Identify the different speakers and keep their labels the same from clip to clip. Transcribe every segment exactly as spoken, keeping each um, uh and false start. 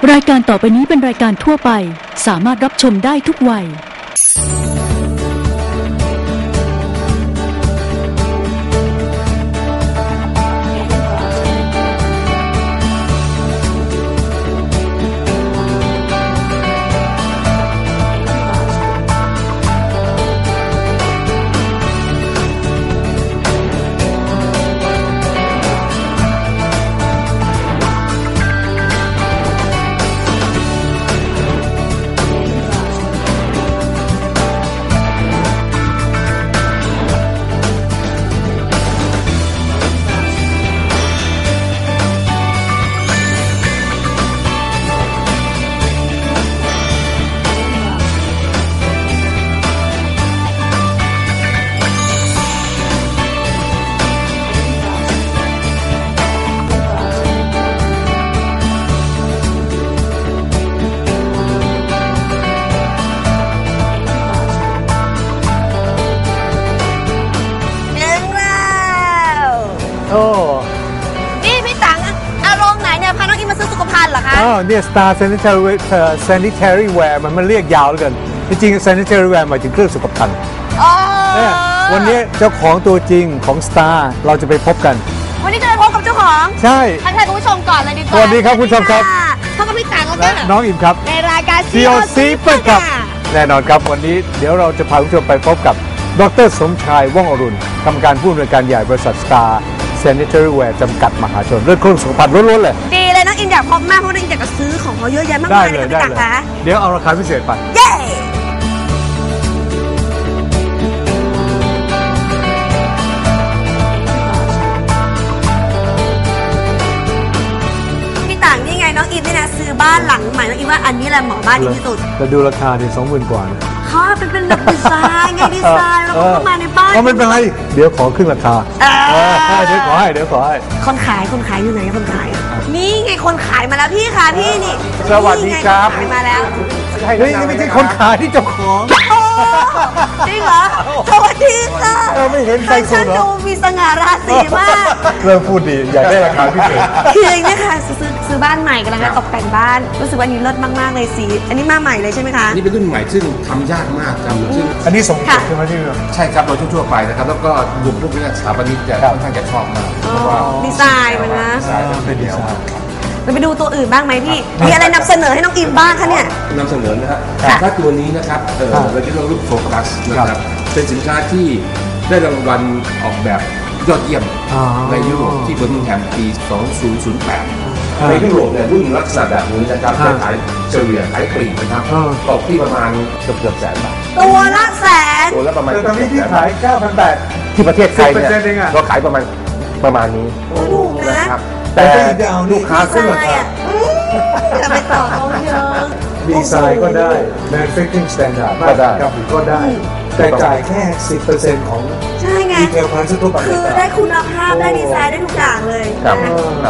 Speaker 1: รายการต่อไปนี้เป็นรายการทั่วไปสามารถรับชมได้ทุกวัย
Speaker 2: นี่พี่ตังอารมณ์ไหนเนี่ยพาน้องอิมมาซื้อสุขภัณฑ์เหรอคะ
Speaker 3: อ๋อเนี่ย Star Sanitary Sanitary Wear มันมันเรียกยาวเหลือเกินจริงๆ Sanitary Wear หมายถึงเครื่องสุขภัณฑ์เนี่ยวันนี้เจ้าของตัวจริงของ Star เราจะไปพบกัน
Speaker 2: วันนี้จะไปพบกับเจ้าของ
Speaker 3: ใช่
Speaker 2: ทักทายคุณผู้ชมก่อนเลยดีกว่า
Speaker 3: สวัสดีครับคุณผู้ชมครับ
Speaker 2: พบกับพี่ตังแล้ว
Speaker 3: ก็น้องอิมครับ
Speaker 2: ในรายการ
Speaker 3: ซี โอ ซี เปิดครับแน่นอนครับวันนี้เดี๋ยวเราจะพาคุณผู้ชมไปพบกับดร.สมชายว่องอรุณกรรมการผู้อำนวยการใหญ่บริษัท Star Sanitary Wear จำกัดมหาชนเรื่องเครื่องสุขภัณฑ์ล้วนๆเลย
Speaker 2: ดีเลยน้องอิมอยากพบมากเพราะน้องอิมอยากจะซื้อของเขาเยอะแยะมากมายเลยพี่ตังคะ
Speaker 3: เดี๋ยวเอาราคาพิเศษไป
Speaker 2: เย้น้องอิมนี่นะซื้อบ้านหลังใหม่น้องอิมว่าอันนี้แหละเหมาะบ้านดีที่สุด
Speaker 3: แต่ดูราคาดิสองหมื่นกว่านะ
Speaker 2: ค่ะเป็นเป็นแบบดีไซน์ไงดีไซน์แล้วก็เข้ามาในบ้าน
Speaker 3: ก็ไม่เป็นไรเดี๋ยวขอครึ่งราคาเดี๋ยวขอให้เดี๋ยวขอให้
Speaker 2: คนขายคนขายอยู่ไหนคนขายนี่ไงคนขายมาแล้วพี่ค่ะพี่นี่
Speaker 3: สวัสดีครับ
Speaker 2: ขายมาแล้ว
Speaker 3: เฮ้ยนี่ไม่ใช่คนขายที่เจ้าของ
Speaker 2: จริงเหรอสวัสดีค่ะ
Speaker 3: ไม่เห็นใครสุดเหรอ
Speaker 2: ดูมีสง่าราศีมาก
Speaker 3: เริ่มพูดดีอยากได้ราคาพิเศษ
Speaker 2: คืออย่างนี้ค่ะซื้อซื้อบ้านใหม่กำลังจะตกแต่งบ้านรู้สึกว่านี้เลิศมากๆเลยสีอันนี้มาใหม่เลยใช่ไหมคะ
Speaker 4: นี่เป็นรุ่นใหม่ซึ่งทำยากมากครับซึ่ง
Speaker 3: อันนี้สมเด็จใช่ไหมที่
Speaker 4: ใช่ครับโดยทั่วไปนะครับแล้วก็กลุ่มพวกนี้สถาปนิกจะค่อนข้างจะชอบมากเพราะว่า
Speaker 2: ดีไซน์มันนะ
Speaker 4: ดีไซน์เป็นดีไซน์
Speaker 2: เราไปดูตัวอื่นบ้างไหมพี่มีอะไรนำเสนอให้น้องอิมบ้างคะเนี่ย
Speaker 4: นำเสนอนะฮะถ้าตัวนี้นะครับเออเราจะเรียกว่าโฟกัสนะครับเป็นสินค้าที่ได้รางวัลออกแบบยอดเยี่ยมในยุโรปที่เบอร์มิงแฮมปีสองพันแปดในยุโรปเนี่ยรุ่นลักษณะแบบนี้นะครับจะขายเฉลี่ยขายปลีกนะครับตกที่ประมาณเกือบเกือบแสนบาท
Speaker 2: ตัวละแสน
Speaker 4: ตัวละประมาณ
Speaker 3: ตอนนี้ที่ขาย เก้าพันแปดร้อย
Speaker 4: ที่ประเทศไทยเนี่ยเราขายประมาณประมาณนี้
Speaker 2: ถูกนะครับ
Speaker 4: แต่ลูกค้าขึ้นราคา
Speaker 2: จะไปต่อเขาเยอะ
Speaker 3: ดีไซน์ก็ได้ manufacturing standard
Speaker 4: ก็ได้
Speaker 3: ก็ได้แต่จ่ายแค่ สิบเปอร์เซ็นต์ ของ
Speaker 2: ใช่ไง
Speaker 3: ดีเทลพาร์ททั่วไป
Speaker 2: คือได้คุณภาพได้ดีไซน์ได้ทุกอย่างเลย
Speaker 4: ครับครับ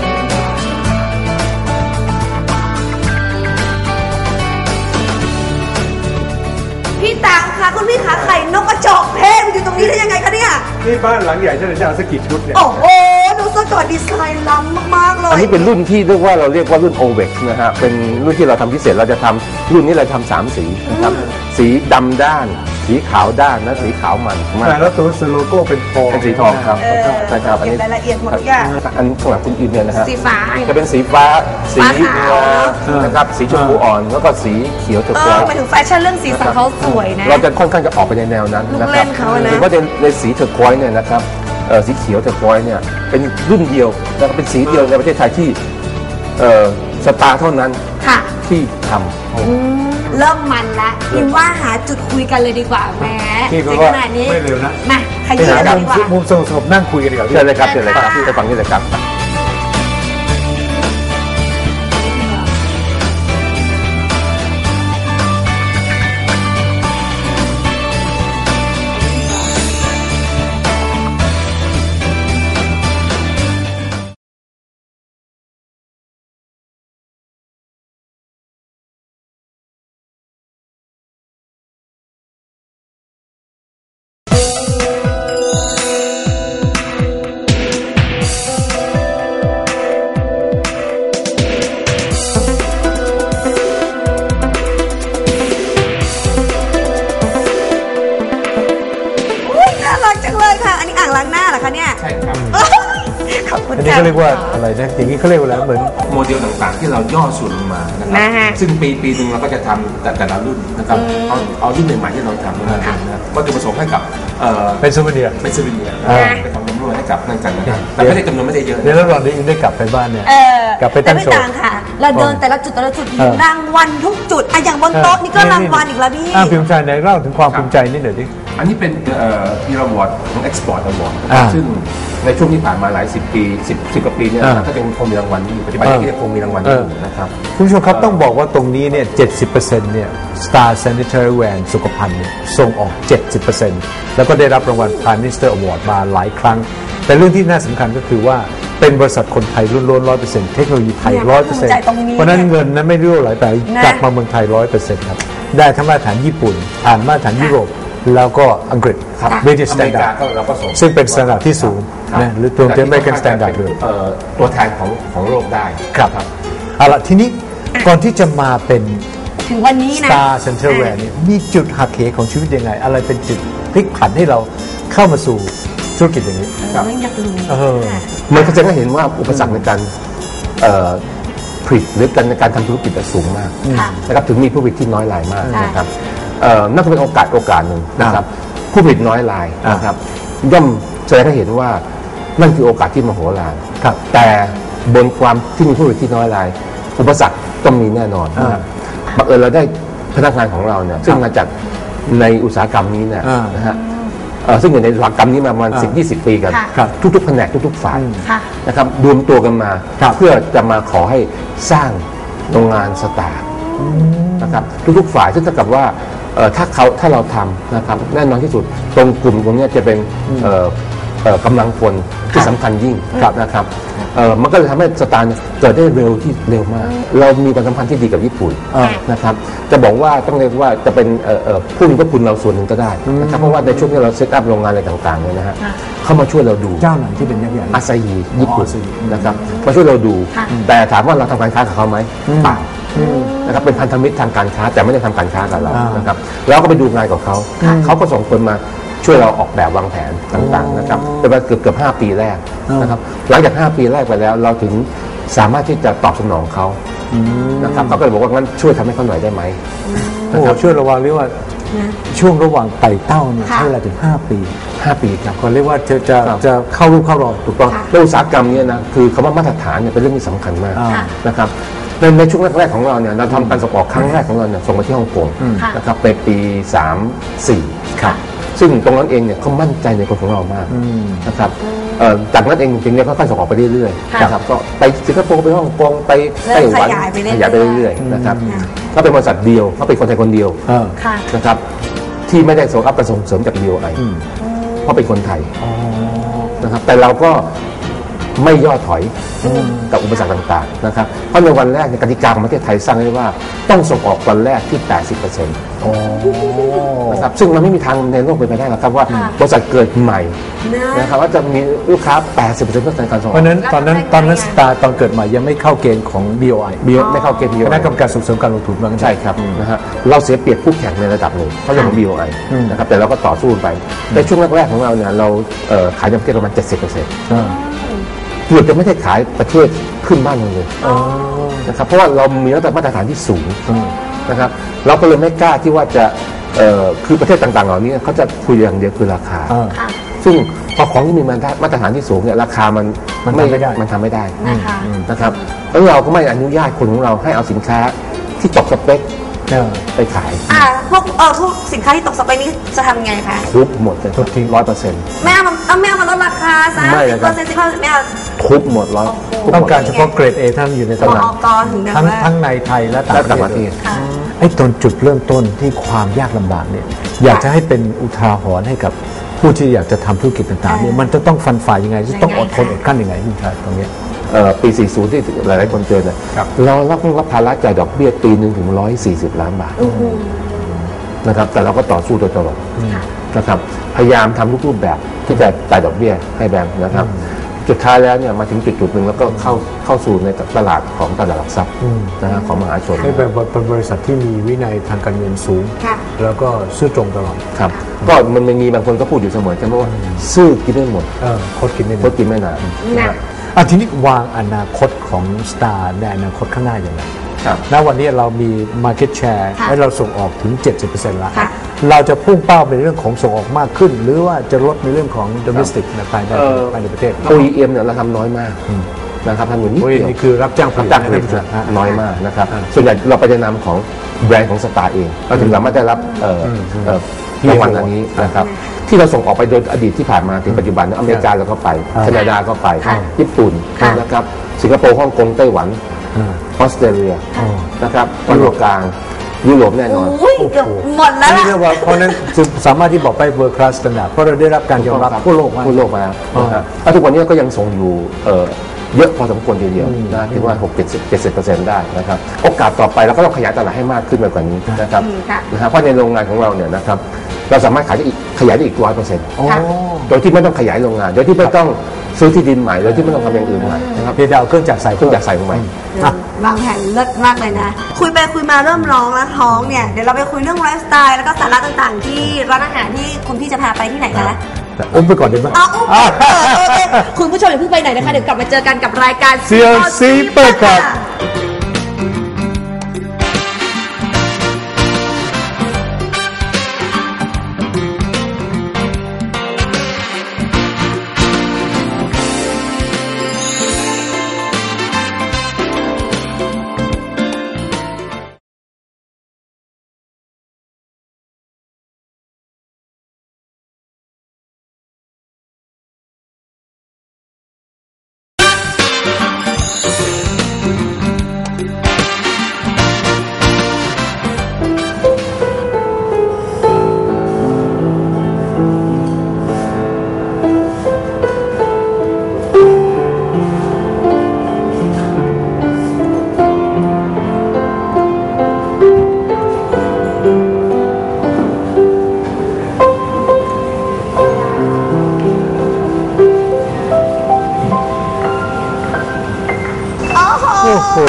Speaker 2: พี่ตังค่ะคุณพี่ขาไข่นกกระจอกเทศอยู่ตรงนี้ได้ยังไงคะเนี่ย
Speaker 3: นี่บ้านหลังใหญ่ฉันจะเอาสักกี่ชุดเนี่ย
Speaker 2: โอ้โหดูซะก่อนดีไซน์ล้ำมากๆเลย
Speaker 4: อันนี้เป็นรุ่นที่เรียกว่าเราเรียกว่ารุ่น โอ วี อี เอ็กซ์ นะฮะเป็นรุ่นที่เราทำพิเศษเราจะทำรุ่นนี้เราทำสามสีนะครับสีดำด้านสีขาวด้านและสีขาวมัน
Speaker 3: แล้วตัวโลโก้เป็นทอง
Speaker 4: เป็นสีทองครับนะครับ
Speaker 2: อันนี้รายละเอียดหมดทุกอย่าง
Speaker 4: อันสำหรับคุณอินเนี่ยนะฮะ
Speaker 2: สีฟ้า
Speaker 4: จะเป็นสีฟ้าสีนะครับสีชมพูอ่อนแล้วก็สีเขียวถูกต้อง
Speaker 2: หมายถึงแฟชั่นเรื่องสีสันเขาสวยนะ
Speaker 4: เราจะค่อนข้างจะออกไปในแนวนั้นนะครับหรือว่าในสีเทอร์ควอยซ์เนี่ยนะครับสีเขียวเทอร์ควอยซ์เนี่ยเป็นรุ่นเดียวแล้วก็เป็นสีเดียวในประเทศไทยที่สตาร์เท่านั้นที่ทำ
Speaker 2: เริ่มมันละพิมว่าหาจุดคุยกันเลยดีกว่าแม่ในขนาดนี้
Speaker 3: ไม่เร็วนะ
Speaker 2: มาขยี้กันดีกว่า
Speaker 3: มุมสงบนั่งคุยกันดีกว่า
Speaker 4: เชิญเลยครับเชิญเลยครับที่จะฟังนี่เลยครับ
Speaker 3: อันนี้เขาเรียกว่าอะไรนะอย่างนี้เขาเรียกว่าอะไรเหมือน
Speaker 4: โมเดลต่างๆ ที่เราย่อส่วนลงมานะครับซึ่งปีปีหนึ่งเราก็จะทำแต่แต่ละรุ่นนะครับเอาเอารุ่นใหม่ๆที่เราทำนะครับก็จะผสมให้กับ
Speaker 3: เป็นซูเวเนียร์
Speaker 4: เป็นซูเวเนียร์เป็นของจำนวนให้กับนั่นกันนะครับแต่ไม่ได้จำนวนไม่ได้เยอะ
Speaker 3: เดี๋ยวเราได้ได้กลับไปบ้านเนี่ยกลับไปตั้งโชว์
Speaker 2: ค่ะเราเดินแต่ละจุดแต่ละจุดมีรางวัลทุกจุดอะอย่างบนโต๊ะนี่ก็รางวัลอีกแล้วพี่
Speaker 3: อ่าพิมพ์ใจในเล่าถึงความภูมิใจนิดหน่อยดิ
Speaker 4: อันนี้เป็นพีราวอร์ดของ Export Award ซึ่งในช่วงที่ผ่านมาหลายสิบปีสิบสิบกว่าปีเนี่ยก็ยังคงมีรางวัลอยู่ปัจจุบันก็ยังคงมีรางวัลอยู่นะครับ
Speaker 3: คุณผู้ชมครับต้องบอกว่าตรงนี้เนี่ย เจ็ดสิบเปอร์เซ็นต์ เนี่ย Star Sanitary Ware สุขภัณฑ์เนี่ยส่งออก เจ็ดสิบเปอร์เซ็นต์ แล้วก็ได้รับรางวัล Prime Minister Award มาหลายครั้งแต่เรื่องที่น่าสำคัญก็คือว่าเป็นบริษัทคนไทยล้วนๆ ร้อยเปอร์เซ็นต์ เทคโนโลยีไทย ร้อยเปอร์เซ็นต์ เพราะนั้นเงินนั้นไม่รั่วไหลไปกลับมาเมืองไทย ร้อยเปอร์เซ็นต์ ครับได้ทั้งมาตรฐานญี่ปุ่นผ่านมาตรฐานยุโรปแล้วก็อังกฤษ British Standard ซึ่งเป็นสแตนดาร์ดที่สูงนะหรือตัวเ American Standard เลย
Speaker 4: ตัวแทนของของโลกได้
Speaker 3: ครับเอาละทีนี้ก่อนที่จะมาเป็น
Speaker 2: ถึงวันนี้นะ
Speaker 3: Star Sanitary Ware นี่มีจุดหักเหของชีวิตยังไงอะไรเป็นจุดพลิกผันให้เราเข้ามาสู่ธุรกิจอย่างนี้
Speaker 2: ครับอยากรู้
Speaker 4: มันก็จะได้เห็นว่าอุปสรรคในการผลิตหรือการในการทำธุรกิจสูงมากนะครับถึงมีผู้ผลิตที่น้อยรายมากนะครับนั่นก็เป็นโอกาสโอกาสหนึ่งนะครับผู้ผลิตน้อยรายนะครับย่อมแสดงให้เห็นว่านั่นคือโอกาสที่มโหฬารแต่บนความที่มีผู้ผลิตที่น้อยรายอุปสรรคต้องมีแน่นอนนะครับบังเอิญเราได้พนักงานของเราเนี่ยซึ่งมาจากในอุตสาหกรรมนี้เนี่ยนะฮะซึ่งอยู่ในอุตสาหกรรมนี้มาประมาณสิบ ยี่สิบปีกันทุกๆแผนกทุกๆฝ่ายนะครับรวมตัวกันมาเพื่อจะมาขอให้สร้างโรงงานสตาร์นะครับทุกๆฝ่ายซึ่งเท่ากับว่าถ้าเขาถ้าเราทำนะครับแน่นอนที่สุดตรงกลุ่มตรงนี้จะเป็นกำลังคนที่สำคัญยิ่งนะครับมันก็เลยทำให้สตาร์เกิดได้เร็วที่เร็วมากเรามีความสัมพันธ์ที่ดีกับญี่ปุ่นนะครับจะบอกว่าต้องเรียกว่าจะเป็นผู้มีพระคุณเราส่วนหนึ่งก็ได้นะครับเพราะว่าในช่วงที่เราเซตอัพโรงงานอะไรต่างๆเนี่ยนะฮะเข้ามาช่วยเราดู
Speaker 3: เจ้าไหนที่เป็นยักษ์ใหญ่
Speaker 4: อาซาฮิญี่ปุ่นนะครับมาช่วยเราดูแต่ถามว่าเราทำการค้ากับเขาไหมเปล่านะครับเป็นพันธมิตรทางการค้าแต่ไม่ได้ทำการค้ากับเรานะครับแล้วก็ไปดูงานกับเขาเขาก็ส่งคนมาช่วยเราออกแบบวางแผนต่างๆนะครับเป็นเกือบเกือบห้าปีแรกนะครับหลังจากห้าปีแรกไปแล้วเราถึงสามารถที่จะตอบสนองเขานะครับเขาก็เลยบอกว่างั้นช่วยทำให้เขาหน่อยได้ไหม
Speaker 3: นะครับช่วยระวังเรียกว่าช่วงระหว่างไต่เต้าเนี่ยใช้เวลาถึงห้าปี
Speaker 4: ห้าปีครับ
Speaker 3: ก็เรียกว่าจะจะจะเข้ารูปเข้ารอย
Speaker 4: ถูกต้องในอุตสาหกรรมนี้นะคือคำว่ามาตรฐานเนี่ยเป็นเรื่องที่สำคัญมากนะครับในในช่วงแรกๆของเราเนี่ยเราทำการส่งออกครั้งแรกของเราเนี่ยส่งไปที่ฮ่องกงนะครับในปีสาม สี่ครับซึ่งตรงนั้นเองเนี่ยเขามั่นใจในคนของเรามากนะครับจากนั้นเองจริงๆเนี่ยก็ค่อยส่งออกไปเรื่อยๆนะครับก็ไปสิงคโปร์ไปฮ่องกงไปไต้หวันขยายไปเรื่อยๆนะครับก็เป็นบริษัทเดียวเขาเป็นคนไทยคนเดียวนะครับที่ไม่ได้ส่งอัพกระส่งเสริมจาก บี โอ ไอ เพราะเป็นคนไทยนะครับแต่เราก็ไม่ย่อถอยกับอุปสรรคต่างๆนะครับเพราะในวันแรกในกติกาของประเทศไทยสร้างไว้ว่าต้องส่งออกวันแรกที่ แปดสิบเปอร์เซ็นต์ นะครับซึ่งมันไม่มีทางในโลกเป็นไปได้หรอกครับว่าบริษัทเกิดใหม่นะครับว่าจะมีลูกค้า แปดสิบเปอร์เซ็นต์ ต้องการส่งออก
Speaker 3: เพราะนั้นตอนนั้นตอนนั้นสตาร์ตอนเกิดใหม่ยังไม่เข้าเกณฑ์ของ บี โอ ไอ
Speaker 4: ไม่เข้าเกณฑ์ บี โอ ไอ
Speaker 3: คณะกรรมการส่งเสริมการลงทุน
Speaker 4: ใช่ครับนะฮะเราเสียเปรียบคู่แข่งในระดับหนึ่งเพราะเรื่องของ บี โอ ไอ นะครับแต่เราก็ต่อสู้ไปในช่วงแรกๆของเราเนี่ยเราขายในประเทศประมาณ เจ็ดสิบเปอร์เซ็นต์เกือบจะไม่ได้ขายประเทศขึ้นบ้านเลยนะครับเพราะว่าเรามีมาตรฐานที่สูงนะครับเราก็เลยไม่กล้าที่ว่าจะคือประเทศต่างๆเหล่านี้เขาจะคุยอย่างเดียวคือราคาซึ่งพอของที่มีมาตรฐานที่สูงเนี่ยราคามันไม่มันทำไม่ได้นะครับแล้วเราก็ไม่อนุญาตคนของเราให้เอาสินค้าที่ตกสเปคไปขาย
Speaker 2: อ่าพวกเออพวกสินค้าที่ตกสเปคนี้จะทำไงคะ
Speaker 4: ทุบหมดเลยทุบทิ้งร้อยเปอร์เซ็นต์
Speaker 2: ไม่เอาเอาไม่เอามาลดราคาซะสิบเปอร์เซ็นต์สิบเปอร์เซ็นต์ไม่เอา
Speaker 4: ทุบหมดร้อย
Speaker 3: ต้องการเฉพาะเกรด A ท่านอยู่ในตลาดทั้งทั้งในไทยและต่างประเทศไอ้ตอนจุดเริ่มต้นที่ความยากลำบากเนี่ยอยากจะให้เป็นอุทาหรณ์ให้กับผู้ที่อยากจะทำธุรกิจต่างๆเนี่ยมันจะต้องฟันฝ่ายยังไงจะต้องอดทนอดกั้นยังไงพี่ชายตรงนี้
Speaker 4: ปี สี่สิบ ที่หลายๆคนเจอเนี่ยเรารับรับภาระจ่ายดอกเบี้ยปีหนึ่งถึงหนึ่งร้อยสี่สิบล้านบาทนะครับแต่เราก็ต่อสู้โดยตลอดนะครับพยายามทำทุกรูปแบบที่จะจ่ายดอกเบี้ยให้แบงค์นะครับจุดท้ายแล้วเนี่ยมาถึงจุดจุดหนึ่งแล้วก็เข้าเข้าสู่ในตลาดของตลาดหลักทรัพย์นะฮะของมหาชน
Speaker 3: ให้เป็นบริษัทที่มีวินัยทางการเงินสูงแล้วก็ซื่อตรงตลอด
Speaker 4: ครับก็มันมีบางคนก็พูดอยู่เสมอใช่ไหมว่าซื่อกินไม่หมด
Speaker 3: คดกินไม่
Speaker 4: คดกินไม่นาน
Speaker 3: อ่ะทีนี้วางอนาคตของ Star ในอนาคตข้างหน้าอย่างไร
Speaker 4: ครับ
Speaker 3: ณวันนี้เรามี market share
Speaker 2: ค่ะ
Speaker 3: และเราส่งออกถึง เจ็ดสิบเปอร์เซ็นต์ แล้ว
Speaker 2: ค่ะ
Speaker 3: เราจะพุ่งเป้าในเรื่องของส่งออกมากขึ้น หรือว่าจะลดในเรื่องของ domestic ในภายใน
Speaker 4: เอ่อ
Speaker 3: ภายในประเทศ
Speaker 4: โอ อี เอ็ม เนี่ยเราทำน้อยมากนะครับทำอยู่นิด
Speaker 3: โอ้ย
Speaker 4: เดียว
Speaker 3: นี่คือรับจ้างผ
Speaker 4: รับ
Speaker 3: ลิต
Speaker 4: จ้างผลิต
Speaker 3: นะ
Speaker 4: นะ
Speaker 3: ฮะ
Speaker 4: น้อยมากนะครับ
Speaker 3: อ่า
Speaker 4: ส่วนใหญ่เราไปในนามของแบรนด์ของสตาร์เองเราถึงสามารถได้รับเอ่อเอ่อรางวัลอันนี้นะครับที่เราส่งออกไปโดยอดีตที่ผ่านมาถึงปัจจุบันอเมริกาเราก็ไปแคนาดาก็ไปญี่ปุ่นนะครับสิงคโปร์ฮ่องกงไต้หวันออสเตรเลียนะครับยุโรปกลางยุโรปแน่นอน
Speaker 2: อุ้ยเกือบหมดแล้ว
Speaker 3: นี่
Speaker 2: ล่ะ
Speaker 3: เรียกว่าเพราะนั้นจึงสามารถที่บอกไป world class standard เพราะเราได้รับการยอมรับทั่วโลกมาก
Speaker 4: ทั่วโลกมาแล้วนะครับแล้วทุกวันนี้ก็ยังส่งอยู่เอ่อเยอะพอสมควรทีเดียวนะถึงว่าหก เจ็ดสิบ เจ็ดสิบเปอร์เซ็นต์ได้นะครับโอกาสต่อไปเราก็ต้องขยายตลาดให้มากขึ้นไปกว่านี้นะครับ
Speaker 2: อืมค่ะ
Speaker 4: นะฮะเพราะในโรงงานของเราเนี่ยนะครับเราสามารถขายได้อีกขยายได้อีกร้อยเปอร์เซ็นต์
Speaker 2: ค่ะ
Speaker 4: โดยที่ไม่ต้องขยายโรงงานโดยที่ไม่ต้องซื้อที่ดินใหม่โดยที่ไม่ต้องทำอย่างอื่นใหม่นะครับ
Speaker 3: เพียงแต่เอาเครื่องจักรใส่
Speaker 4: เครื่องจักรใส่ลงไป
Speaker 3: อ่ะ
Speaker 2: วางแผนเลิศมากเลยนะ คุยไปคุยมาเริ่มร้องแล้วท้องเนี่ย เดี๋ยวเราไปคุยเรื่องไลฟ์สไตล์แล้วก็สาระต่างๆ ที่ร้านอาหารที่คุณพี่จะพาไปที่ไหนคะ
Speaker 3: อุ้มไปก่อนดีไหม
Speaker 2: เอาอุ้มเออเออเออคุณผู้ชมอย่าเพิ่งไปไหนนะคะ เดี๋ยวกลับมาเจอกันกับรายการ
Speaker 3: ซี แอล ซี เปิดครับ โอ้โห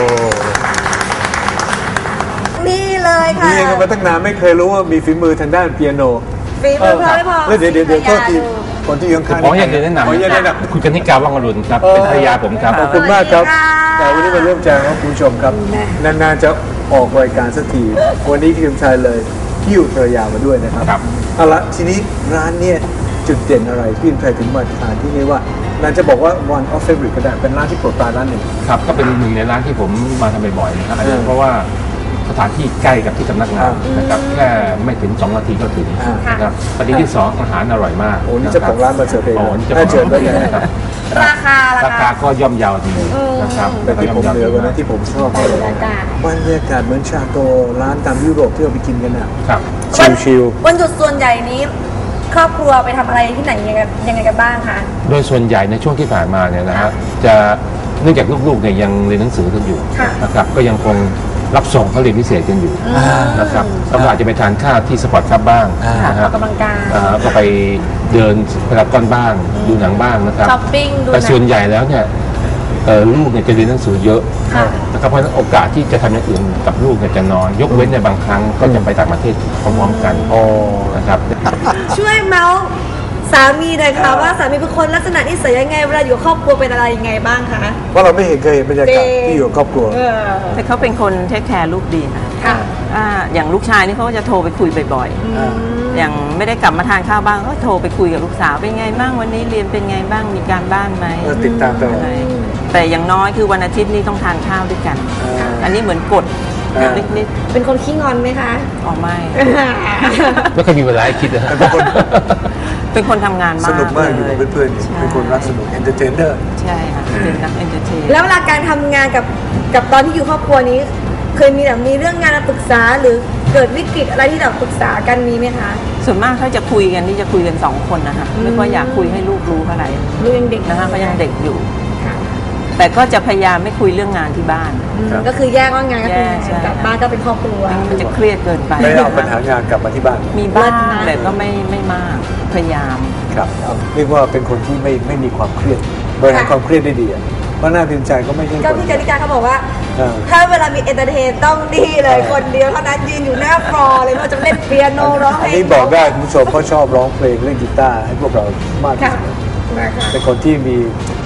Speaker 2: นี่เลยค่ะ
Speaker 3: เรียนกันมาตั้งนานไม่เคยรู้ว่ามีฝีมือทางด้านเปียโน
Speaker 2: ฝีมือเพราะไม่พอ
Speaker 3: แล้วเดี๋ยวเดี๋ยวเดี๋ยวโทษทีคนที่ยังข้าง
Speaker 4: ขออยากจะแนะนำ
Speaker 3: ขออยากจะแนะนำ
Speaker 4: คุณกนิกาว่างอรุณครับเป็นภรรยาผมครับ
Speaker 3: ขอบคุณมากครับ
Speaker 2: สวัสดีค่ะ
Speaker 3: แต่วันนี้มาเริ่มแจ้งครับคุณผู้ชมครับ นานๆจะออกรายการสักที วันนี้พี่ชมชายเลยหิ้วภรรยามาด้วยนะครับ
Speaker 4: ครับ
Speaker 3: เอาละทีนี้ร้านเนี่ยจุดเด่นอะไรพี่ชมชายถึงมาทานที่นี่ว่าร้านจะบอกว่า one of favorite ก็ได้เป็นร้านที่โปรดปรานร้านหนึ่ง
Speaker 4: ครับก็เป็นหนึ่งในร้านที่ผมมาทำบ่อยๆนะครับอาจจะ
Speaker 3: อืม
Speaker 4: เพราะว่าสถานที่ใกล้กับที่สำนักงานนะครับแค่ไม่ถึงสองนาทีก็ถึง
Speaker 3: อ่า
Speaker 4: นะครับประเด็นที่สองอาหารอร่อยมาก
Speaker 3: โอ้นี่เจ้าของร้านมาเสิร์ฟเอง
Speaker 4: โอ้นี่เจ้าข
Speaker 3: น่า
Speaker 4: อง
Speaker 3: เชิญด้วย
Speaker 4: ร้าน
Speaker 3: นะครับ
Speaker 2: ราคา
Speaker 4: รา
Speaker 2: รา
Speaker 4: คา
Speaker 2: คา
Speaker 4: ก็ย่อมเยาวดีนะครับ
Speaker 3: แต่ที่ผมเหลือกว่านั้นที่ผมชอบมากเลย
Speaker 2: บรรยากาศ
Speaker 3: บรรยากาศเหมือนชาโตร้านตามยุโรปที่เราไปกินกันน่ะ
Speaker 4: ครับ
Speaker 3: ชิล
Speaker 2: วันหยุดส่วนใหญ่นี้ ครอบครัวไปทำอะไรที่ไหนยังไงยังไงกันบ้างคะ
Speaker 4: โดยส่วนใหญ่ในช่วงที่ผ่านมาเนี่ยนะฮะจะเนื่องจากลูกๆเนี่ยยังเรียนหนังสือกันอยู่
Speaker 2: ค่ะ
Speaker 4: นะครับก็ยังคงรับส่งเขาเรียนพิเศษกันอยู่นะครับแล้วก็อาจจะไปทานข้าวที่สปอร์ตคลับบ้างนะ
Speaker 2: อ
Speaker 4: ฮะ
Speaker 2: อกกำลังกาย
Speaker 4: อ่าก็ไปเดินพารากอนบ้างดูหนังบ้างนะครับ
Speaker 2: ช้อปปิ้งดูหนัง
Speaker 4: แต่ส่วนใหญ่แล้วเนี่ยเอ่อลูกเนี่ยจะเรียนหนังสือเยอะ
Speaker 2: ค่ะ
Speaker 4: นะครับเพราะฉะนั้นโอกาสที่จะทำอย่างอื่นกับลูกเนี่ยจะน้อยยกเว้นในบางครั้งก็จะไปต่างประเทศพร้อมๆกันนะครับ
Speaker 2: ช่วยเมาส์สามีหน่อยค่ะว่าสามีเป็นคนลักษณะนิสัยยังไงเวลาอยู่ครอบครัวเป็นอะไรยังไงบ้างคะ
Speaker 3: เพราะเราไม่เห็นเคยเห็นบรรยากาศที่อยู่กับครอบครัว
Speaker 2: เออ
Speaker 5: แต่เขาเป็นคนเทคแคร์ลูกดีนะ
Speaker 2: ค่ะ
Speaker 5: อ่าอย่างลูกชายนี่เขาก็จะโทรไปคุยบ่อยๆ อย่างไม่ได้กลับมาทานข้าวบ้างก็โทรไปคุยกับลูกสาวเป็นไงบ้างวันนี้เรียนเป็นไงบ้างมีการบ้านไหม
Speaker 3: เออติดตามตลอด
Speaker 5: อะไรแต่อย่างน้อยคือวันอาทิตย์นี่ต้องทานข้าวด้วยกัน
Speaker 3: อ่า
Speaker 5: อันนี้เหมือนกฎ
Speaker 3: อ่า
Speaker 5: เล็กนิด
Speaker 2: เป็นคนขี้งอนไหมคะ
Speaker 5: ออกไม่
Speaker 4: ไม่เคยมีเวลาให้คิดนะฮะ
Speaker 3: เป็นคน
Speaker 5: เป็นคนทำงานมาก
Speaker 3: สนุกมากอยู่กับ
Speaker 5: ล
Speaker 3: เพื่อนๆเป็นคนรักสนุกเอนเตอร์เทนเนอร์
Speaker 5: ใช่ค่ะเป็นนักเอนเตอร์เทน
Speaker 2: แล้วเวลาการทำงานกับกับตอนที่อยู่ครอบครัวนี้ เคยมีแบบมีเรื่องงานมาปรึกษาหรือเกิดวิกฤตอะไรที่แบบปรึกษากันมีไหมคะ
Speaker 5: ส่วนมากถ้าจะคุยกันนี่จะคุยกันสองคนนะคะไม่ค่อยอยากคุยให้ลูกรู้เท่าไหร่
Speaker 2: ลูกยังเด็ก
Speaker 5: นะคะเขายังเด็กอยู่
Speaker 2: ค่ะ
Speaker 5: แต่ก็จะพยายามไม่คุยเรื่องงานที่บ้าน
Speaker 2: อืมก็คือแยกว่างานก็คือ
Speaker 5: แยกใช่
Speaker 2: กลับบ้านก็เป็นครอบครัว
Speaker 5: มันจะเครียดเกินไป
Speaker 3: ไม่เอาปัญหางานกลับมาที่บ้าน
Speaker 5: มีบ้าง
Speaker 2: เลิศนะ
Speaker 5: แต่ก็ไม่ไม่มากพยายาม
Speaker 3: ครับเรียกว่าเป็นคนที่ไม่ไม่มีความเครียดบริหารความเครียดได้ดีอะเพราะหน้าพิมพ์ใจก็ไม่ใช่
Speaker 2: ก็
Speaker 3: คน
Speaker 2: พี่จาริกาเขาบอกว่า
Speaker 3: เออ
Speaker 2: ถ้าเวลามีเอนเตอร์เทนต้องดีเลยคนเดียวเท่านั้นยืนอยู่หน้าฟลอร์เลยไม่ว่าจะเล่นเปียโนร้องเพ
Speaker 3: อัน
Speaker 2: ลง
Speaker 3: นี้บอกได้คุณผู้ชมเพราะชอบร้องเพลงเล่นกีตาร์ให้พวกเรามากที่
Speaker 2: ค่ะ
Speaker 3: สุด
Speaker 2: นะคะ
Speaker 3: เป็นคนที่มี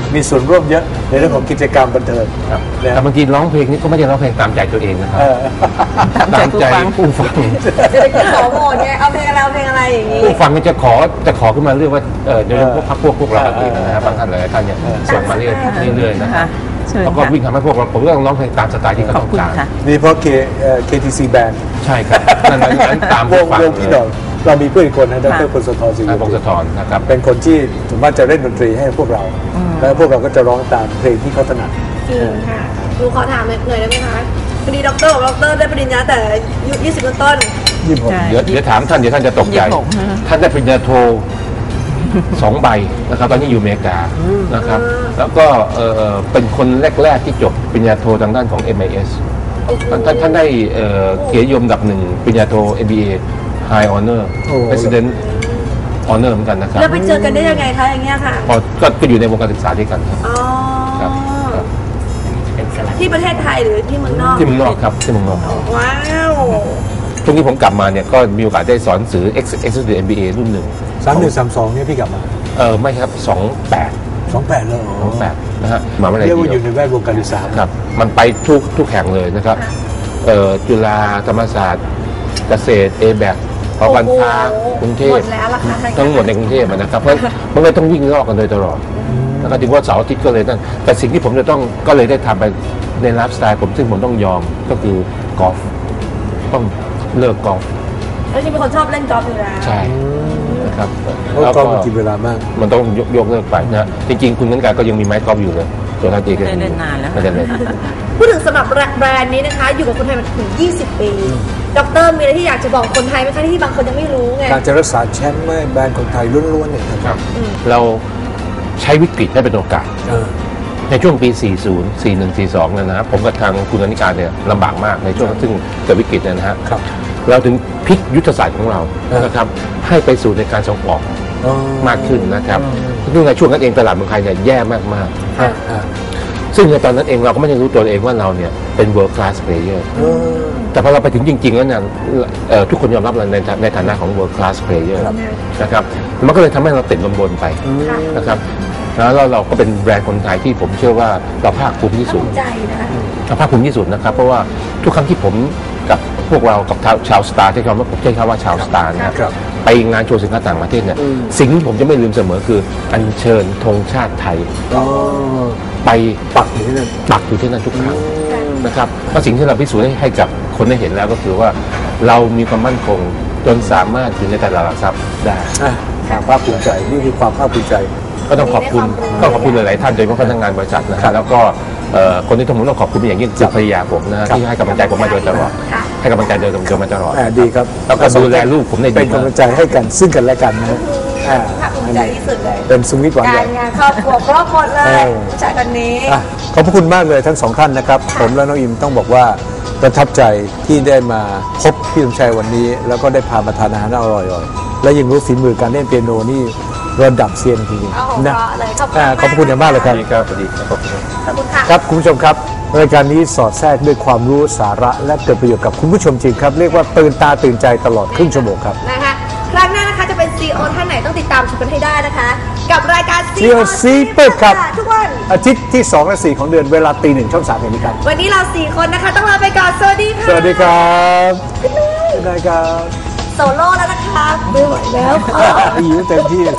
Speaker 3: มีส่วนร่วมเยอะในเรื่องของกิจกรรมบันเทิง
Speaker 4: ครับ
Speaker 3: นะ
Speaker 4: แต่บางทีร้องเพลงนี่ก็ไม่ได้ร้องเพลงตามใจตัวเองนะครับ
Speaker 3: เออ
Speaker 4: ตามใจผู้ฟัง
Speaker 2: เศรษฐกิจขอโหมดไงเอาเพลงอะไรเอาเพลงอะไรอย่างนี้
Speaker 4: ผู้ฟังก็จะขอจะขอขึ้นมาเรื่อยว่าเออโดยเฉพาะพรรคพวกพวกเราเองนะครับบางท่านหลายท่านเนี่ยส่งมาเรื่อยเรื่อยๆนะ
Speaker 5: ค่ะเชิญ
Speaker 4: แล้วก็
Speaker 5: ค่ะ
Speaker 4: วิ่งทำให้พวกเราผมก็ต้องร้องเพลงตามสไตล์ที่เขา
Speaker 5: ขอบ
Speaker 4: ต้อง
Speaker 5: คุณ
Speaker 4: การ
Speaker 5: ค่ะ
Speaker 3: นี่เพราะ K เอ่อ เค ที ซี Band
Speaker 4: ใช่ครับนั่นนั้นตาม
Speaker 3: ว
Speaker 4: ผู้
Speaker 3: ง
Speaker 4: ฟัง
Speaker 3: วงพี่หน่อยเรามีเพื่อนอีกคนนะดรพลสธรศิริ
Speaker 4: พงศธรนะครับ
Speaker 3: เป็นคนที่สมมติจะเล่นดนตรีให้พวกเรา แล้วพวกเราก็จะร้องตามเพลงที่เขาถนัด
Speaker 2: จริงค่ะหนูขอถามหน่อยได้ไหมคะพอดีด็อกเตอร์บอกด็อกเตอร์ได้ปริญญาแต่อายุยี่สิบต้น
Speaker 3: ยี่สิบหก
Speaker 5: ใช่
Speaker 4: เดี๋ยวเดี๋ยวถามท่านเดี๋ยวท่านจะตกใจ
Speaker 5: ยี่สิบหกฮะ
Speaker 4: ท่านได้ปริญญาโทสองใบนะครับตอนนี้อยู่อเมริกานะครับแล้วก็เอ่อเป็นคนแรก ๆ ที่จบปริญญาโททางด้านของ เอ็ม ไอ เอส ท่านท่านท่านได้เอ่อเกียรตินิยมอันดับหนึ่งปริญญาโท เอ็ม บี เอ High Honor
Speaker 3: โอ้
Speaker 4: President Honor เหมือนกันนะครับ
Speaker 2: แล้วไปเจอกันได้ยังไงคะอย่างเงี้ยค่ะ
Speaker 4: พอก็ก็อยู่ในวงการศึกษาด้วยกันครับ
Speaker 2: อ๋อ
Speaker 4: ครับครับ
Speaker 2: ที่ประเทศไทยหรือที่เมืองนอก
Speaker 4: ที่เมืองนอกครับที่เมืองนอก
Speaker 2: ว้าว
Speaker 4: ช่วงที่ผมกลับมาเนี่ยก็มีโอกาสได้สอนหนังสือ Executive เอ็ม บี เอ รุ่นหนึ่ง
Speaker 3: สามหนึ่งสามสองเนี่ยพี่กลับมา
Speaker 4: เออไม่ครับสองแปด
Speaker 3: สองแปดเลย
Speaker 4: สองแปดนะฮะมาไม่ได้
Speaker 3: เรียกว่าอ
Speaker 4: เดี
Speaker 3: ยู่
Speaker 4: ยว
Speaker 3: ในแวดวงการศึกษา
Speaker 4: ครับมันไปทุกทุกแห่งเลยนะครับเอ่อจุฬาธรรมศาสตร์เกษตรเอแบกพอบัญชากรุงเทพ
Speaker 2: หมดแล้วล่ะค่ะ
Speaker 4: ทั้งหมดในกรุงเทพนะครับเพราะมันก็ต้องวิ่งรอบกันโดยตลอดแล้วก็ถึงว่าเสาร์อาทิตย์ก็เลยนั่นแต่สิ่งที่ผมจะต้องก็เลยได้ทำไปในไลฟ์สไตล์ผมซึ่งผมต้องยอมก็คือกอล์ฟต้องเลิกกอล์ฟ
Speaker 2: แล้วจริงเป็นคนชอบเล่นกอล์ฟอยู่แล้ว
Speaker 4: ใช่นะครับ
Speaker 3: เพราะกอล์ฟมันกินเวลามาก
Speaker 4: มันต้องยกยกเลิกไปนะจริงๆคุณนั้นการก็ยังมีไม้กอล์ฟอยู่เลยตัวท่านเองก็
Speaker 5: ได้เล่นนานแล้ว
Speaker 4: ไม่ได้เล่น
Speaker 2: พูดถึงสำหรับแบรนด์นี้นะคะ อยู่กับคนไทยมาถึงยี่สิบปีด็อกเตอร์มีอะไรที่อยากจะบอกคนไทยไหมคะที่บางคนยังไม่รู้ไง
Speaker 3: การจะรักษาแชมป์ไม่แบรนด์คนไทยล้วนๆเนี่ยครับ
Speaker 4: ครับเราใช้วิกฤตให้เป็นโอกาส
Speaker 3: เออ
Speaker 4: ในช่วงปี สี่สิบ สี่สิบเอ็ด สี่สิบสองเนี่ยนะครับผมกับทางคุณอนิการเนี่ยลำบากมากในช่วงซึ่งเกิดวิกฤตเนยนะฮะ
Speaker 3: ครับ
Speaker 4: เราถึงพลิกยุทธศาสตร์ของเรา
Speaker 3: เออ
Speaker 4: นะครับให้ไปสู่ในการส่งออก
Speaker 3: อ๋อ
Speaker 4: มากขึ้นนะครับซึ่งในช่วงนั้นเองตลาดเมืองไทยเนี่ยแย่มาก
Speaker 3: อ่าอ่า
Speaker 4: ๆซึ่งในตอนนั้นเองเราก็ไม่ได้รู้ตัวเองว่าเราเนี่ยเป็น world class player
Speaker 3: เออ
Speaker 4: แต่พอเราไปถึงจริงๆแล้วเนี่ยเอ่อทุกคนยอมรับเราในในฐานะของ world class player
Speaker 3: ครับ
Speaker 4: นะครับมันก็เลยทำให้เราติดลมบนไปนะครับแล้วเราเราก็เป็นแบรนด์คนไทยที่ผมเชื่อว่าเราภาคภูมิที่สุด
Speaker 2: ภูมิใจนะคะ
Speaker 4: เราภาคภูมิที่สุดนะครับเพราะว่าทุกครั้งที่ผมกับพวกเรากับชาวสตาร์ใช้คำว่าผมใช้คำว่าชาวสตาร์นะครับไปงานโชว์สินค้าต่างประเทศเนี่ยสิ่งที่ผมจะไม่ลืมเสมอคืออัญเชิญธงชาติไทย
Speaker 3: อ๋อ
Speaker 4: ไป
Speaker 3: ปักอยู่ที่นั่น
Speaker 4: ปักอยู่ที่นั่นทุกครั้งนะครับเพราะสิ่งที่เราพิสูจน์ให้ให้กับคนได้เห็นแล้วก็คือว่าเรามีความมั่นคงจนสามารถอยู่ในตลาดหลักทรัพย์ได้
Speaker 3: อ่ะความภาคภูมิใจนี่คือความภาคภูมิใจ
Speaker 4: ก็ต้องขอบคุณต้องขอบคุณหลายๆท่านโดยเฉพาะพนักงานบริษัทนะครับแล้วก็เอ่อคนที่ผมต้องขอบคุณเป็นอย่างยิ่งคือภรรยาผมนะที่ให้กำลังใจผมมาโดยตลอดให้กำลังใจโดยตรงมาตลอด
Speaker 3: อ่าดีครับ
Speaker 4: แล้วก็ดูแลลูกผมได้ดี
Speaker 3: เป็น
Speaker 4: มาก
Speaker 3: กำลังใจให้กันซึ่งกันและกันนะอ่า
Speaker 2: ภาคภูมิใจที่สุดเลย
Speaker 3: เป็นสวิตหวานให
Speaker 2: กา
Speaker 3: ญ่
Speaker 2: รงานครอบครัวครอบครัวเล
Speaker 3: เอย อ
Speaker 2: ผู้ชายคนนี้
Speaker 3: อ่ะขอบพระคุณมากเลยทั้งสองท่านนะครับ ผมและน้องอิมต้องบอกว่าประทับใจที่ได้มาพบพี่สมชัยวันนี้ แล้วก็ได้พามาทานอาหารอร่อยๆและยังรู้ฝีมือการเล่นเปียโนนี่ระดับเซียนจริง
Speaker 2: เอาของ
Speaker 3: ๆนะ
Speaker 2: เพราะเลยขอบคุณ
Speaker 3: อ่าขอบพระคุณอย่างมากเลยครับ
Speaker 4: ดีครับดีครับ
Speaker 2: ขอบคุณค่ะ
Speaker 3: ครับคุณผู้ชมครับรายการนี้สอดแทรกด้วยความรู้สาระและเกิดประโยชน์กับคุณผู้ชมจริงครับเรียกว่าตื่นตาตื่นใจตลอดครึ่งชั่วโมงครับ
Speaker 2: นะคะครั้งหน้านะคะจะเป็น ซี อี โอ ท่านไหนต้องติดตามชมกันให้ได้นะคะ กับรายการ
Speaker 3: ซี อี โอ ซีเปิดครับ
Speaker 2: ทุกวัน
Speaker 3: อาทิตย์ที่สองและสี่ของเดือนเวลาตีหนึ่งช่องสามแห่งนี้ครับ
Speaker 2: วันนี้เราสี่คนนะคะต้องลาไปก่อนสวัสดีค่ะ
Speaker 3: สวัสดีครับสวัสดีครับ
Speaker 2: โซโล่แล้วนะคะไม่ไหวแล้ว
Speaker 3: หิวเต็มที่แล้ว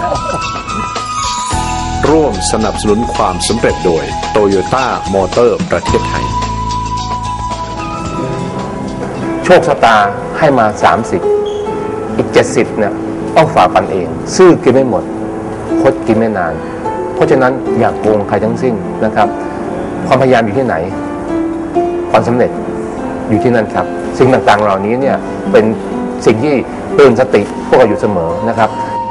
Speaker 6: ร่วมสนับสนุนความสำเร็จโดย โตโยต้ามอเตอร์ประเทศไทย
Speaker 4: โชคชะตาให้มา สามสิบ อีก เจ็ดสิบเนี่ยต้องฝ่าฟันเอง ซื่อกินไม่หมดคดกินไม่นาน เพราะฉะนั้นอย่ากโกงใครทั้งสิ้นนะครับ ความพยายามอยู่ที่ไหน ความสำเร็จอยู่ที่นั่นครับ สิ่งต่างๆเหล่านี้เนี่ยเป็นสิ่งที่เตือนสติพวกเราอยู่เสมอนะครับ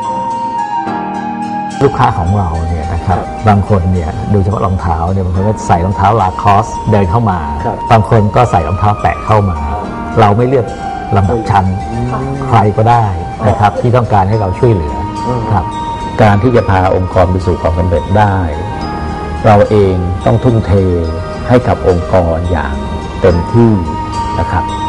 Speaker 7: ลูกค้าของเราเนี่ยนะครับบางคนเนี่ยดูเฉพาะรองเท้าเนี่ยบางคนก็ใส่รองเท้าลาคอสเดินเข้ามา
Speaker 3: ครับ
Speaker 7: บางคนก็ใส่รองเท้าแตะเข้ามา เราไม่เลือกลำดับชั้นใครก็ได้นะครับที่ต้องการให้เราช่วยเหลือครับการที่จะพาองค์กรไปสู่ความสำเร็จได้ เราเองต้องทุ่มเทให้กับองค์กรอย่างเต็มที่นะครับ